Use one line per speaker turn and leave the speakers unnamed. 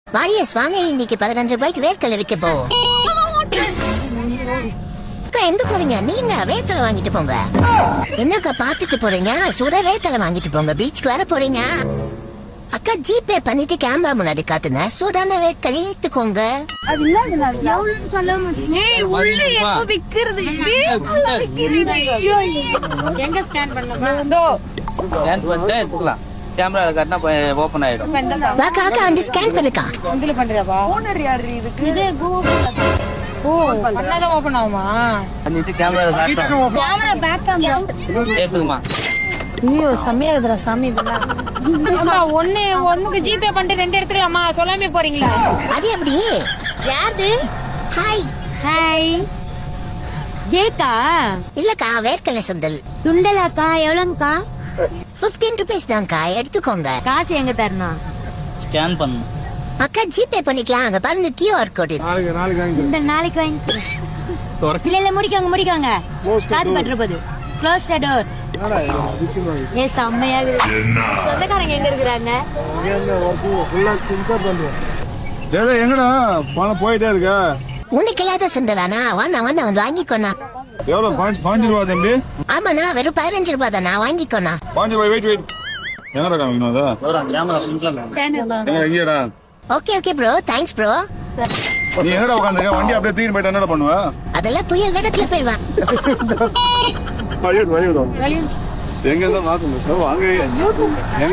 Warriors வாங்க, இன்னைக்கு 15 ரூபாய்க்கு வேர்க்கடலை விற்க போ. அக்கா எங்க போறீங்க? நீங்க வேர்க்கடலை வாங்கிட்டு போங்க. என்னக்கா பாத்துட்டு போறீங்க? சுட வேர்க்கடலை வாங்கிட்டு போங்க. பீச்சுக்கு வர போறீங்க. அக்கா ஜிபே பண்ணிட்டு கேமரா முன்னாடி காட்டுங்க. சூடான வேர்க்கடலை எடுத்துக்கோங்க.
அது இல்ல எவ்வளவுன்னு சொல்ல மாட்டீங்க. உள்ள எப்ப விக்கிறது? எங்க ஸ்கேன் பண்ணலாம்?
ஸ்கேன் பண்ணிட்டு எடுத்துக்கலாம். கேமரா காட்டினா ஓபன் ஆயிடும்.
வாக்கா அக்கா வந்து ஸ்கேன் பண்ணுக்கா.
இதுல பண்றியாப்பா? ஓனர் யாரு இதுக்கு? இது கூகுள். ஓ பண்ணாதான் ஓபன் ஆகுமா?
பண்ணிட்டு கேமரா காட்டணும்.
கேமரா பேக் கேமரா
ஏத்துக்குமா?
ஐயோ செம்மையா இருக்குடா சாமி இதெல்லாம். அம்மா ஒண்ணுக்கு ஜிபே பண்ணிட்டு 2 எடுத்துக்கலாமா? சொல்லாமே போறீங்களா?
அது எப்படி?
யாரு?
ஹாய்.
ஹாய். ஏக்கா
இல்லக்கா வேர்க்கடலை சுண்டல்.
சுண்டலாக்கா எவ்வளவுக்கா?
15 ரூபீஸ் தான்க்கா, எடுத்துக்கோங்க.
காசு எங்க தரணும்?
ஸ்கேன் பண்ணு.
அக்கா ஜிபே பண்ணிக்கலாம். அங்க பாருங்க QR கோடு.
இந்த நாளைக்கு வாங்கி இல்ல முடிக்காங்க காத்து பண்ற போது க்ளோஸ் த டோர். ஏ செம்மையா இருக்கு. சொந்தக்காரங்க எங்க இருக்கிறாங்க?
எங்கடா பணம் போயிட்டே இருக்க?
உனக்கு இல்லாத சுண்டலானா? வாண்ணா வந்து வாங்கிக்கோண்ணா.
எவ்வளவு? 5 ரூபா தம்பி.
ஆமாண்ணா, வெறும் 15 ரூபாய் தானா, வாங்கிக்கோண்ணா.
5 ரூபாய். வெயிட் என்னடா காமிக்கணும் அதா?
கேமரா சிம்பிளா
எங்கடா?
Okay bro, thanks bro.
நீ என்னடா உட்காந்துருக்க? வண்டி அப்படியே தூக்கிட்டு போயிட்டு என்னடா பண்ணுவ?
அதெல்லாம் புயல் வேடத்துல போயிடுவான்.
எங்க இருந்தா மாத்தணும் வாங்க.